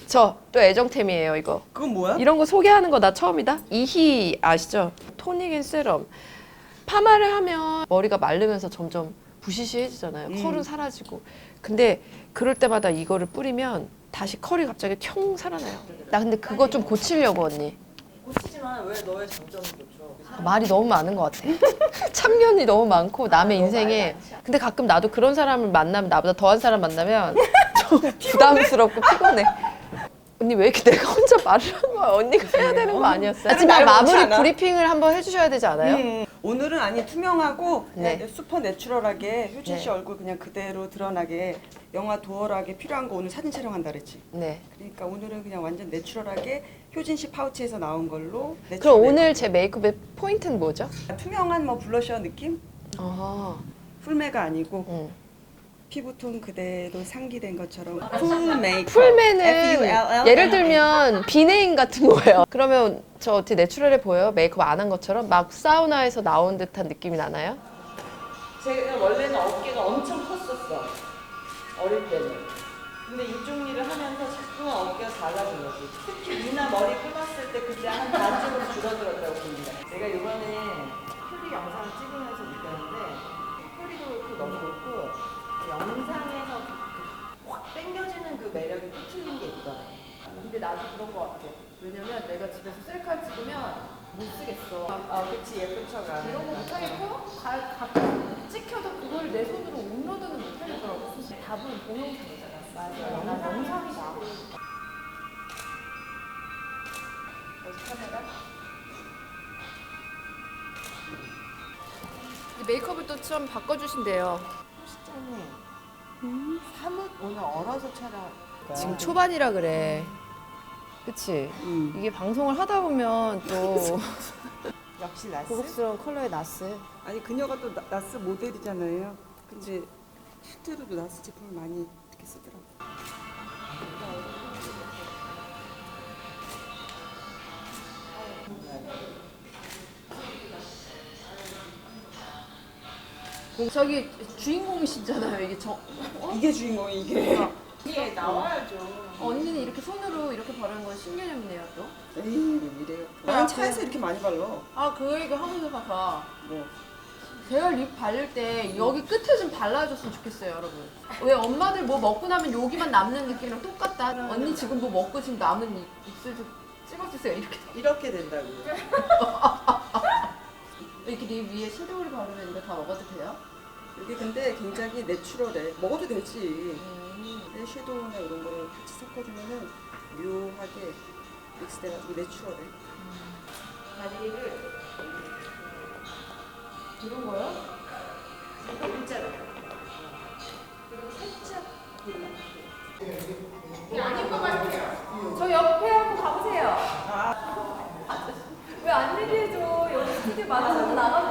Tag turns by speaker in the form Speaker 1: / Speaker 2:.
Speaker 1: 저 또 애정템이에요 이거.
Speaker 2: 그건 뭐야?
Speaker 1: 이런 거 소개하는 거 나 처음이다. 이희 아시죠? 토닉 앤 세럼. 파마를 하면 머리가 마르면서 점점 부시시해지잖아요. 컬은 사라지고. 근데 그럴 때마다 이거를 뿌리면 다시 컬이 갑자기 튕 살아나요. 나 근데 그거 좀 고치려고 언니.
Speaker 2: 고치지만 왜 너의 장점을 고쳐?
Speaker 1: 말이 너무 많은 것 같아. 참견이 너무 많고 남의 인생에. 근데 가끔 나도 그런 사람을 만나면 나보다 더한 사람 만나면 좀 부담스럽고 피곤해. 언니 왜 이렇게 내가 혼자 말을 한 거야? 언니가 해야 되는 거 아니었어요? 하지만 마무리 브리핑을 한번 해주셔야 되지 않아요?
Speaker 2: 오늘은 아니 투명하고
Speaker 1: 네.
Speaker 2: 그냥 슈퍼 내추럴하게 효진 씨
Speaker 1: 네.
Speaker 2: 얼굴 그냥 그대로 드러나게 영화 도어락에 필요한 거 오늘 사진 촬영한다 그랬지.
Speaker 1: 네.
Speaker 2: 그러니까 오늘은 그냥 완전 내추럴하게 효진 씨 파우치에서 나온 걸로.
Speaker 1: 그럼
Speaker 2: 내추럴
Speaker 1: 오늘 제 메이크업의 포인트는 뭐죠?
Speaker 2: 투명한 뭐 블러셔 느낌?
Speaker 1: 아,
Speaker 2: 풀메가 아니고
Speaker 1: 응.
Speaker 2: 피부톤 그대로 상기된 것처럼 풀 메이크업.
Speaker 1: 풀맨은
Speaker 2: FULL.
Speaker 1: 예를 들면 비네임 같은 거예요. 그러면 저 어떻게 내추럴해 보여요? 메이크업 안 한 것처럼? 막 사우나에서 나온 듯한 느낌이 나나요?
Speaker 3: 제가 원래는 어깨가 엄청 컸었어. 어릴 때는. 근데 이쪽 일을 하면서 자꾸만 어깨가 작아진 거지. 특히 미나 머리 끊었을 때 그때 한 반쯤으로 줄어들었다고 봅니다. 제가 이번에 퓨리 영상을 찍으면서 느꼈는데 퓨리도 그렇고 너무 좋고 영상에서 확 땡겨지는 그 매력이 또 틀린 게 있더라고요.
Speaker 1: 근데 나도 그런 거 같아. 왜냐면 내가 집에서 셀카 찍으면 못 쓰겠어.
Speaker 3: 그치 예쁜 척아.
Speaker 1: 이런 거 못하겠고 가끔 찍혀도 그걸 내 손으로 업로드는 못하겠더라고. 답은 동영상이잖아. 맞아. 나 영상이다. 카메라? 메이크업을 또 좀 바꿔주신대요.
Speaker 3: 사뭇 오늘 얼어서 촬영.
Speaker 1: 지금 초반이라 그래. 그치? 이게 방송을 하다 보면 또
Speaker 3: 역시 나스.
Speaker 1: 고급스러운 컬러의 나스.
Speaker 2: 아니 그녀가 또 나스 모델이잖아요. 근데 실제로도 나스 제품을 많이 이렇게 쓰더라고.
Speaker 1: 저기 주인공이시잖아요. 이게
Speaker 2: 이게 주인공이 이게.
Speaker 3: 이게 나와야죠.
Speaker 1: 언니는 이렇게 손으로 이렇게 바르는 건 신개념이네요 또.
Speaker 2: 에이 이래요. 난 차에서 이렇게 많이 발라.
Speaker 1: 아, 그 얘기 하면서 봐서
Speaker 2: 뭐.
Speaker 1: 제가 립 바를 때 여기 끝에 좀 발라줬으면 좋겠어요, 여러분. 왜 엄마들 뭐 먹고 나면 여기만 남는 느낌이랑 똑같다. 언니 지금 뭐 먹고 지금 남은 입술 좀 찍어주세요.
Speaker 3: 이렇게 된다고요.
Speaker 1: 이렇게 립 위에 섀도우를 바르면 이거 다 먹어도 돼요?
Speaker 2: 이게 근데 굉장히 내추럴해. 먹어도 되지. 근데 섀도우나 이런 거를 같이 섞어주면은 묘하게 믹스돼가지고 내추럴해.
Speaker 3: 다리를
Speaker 1: 이런 거요?
Speaker 3: 일자로. 그리고 살짝 이렇게.
Speaker 1: 아닌 것 같아요. 저 옆에 한번 가보세요. 왜 안 얘기해줘? 여기 스튜디오 많아서 나가면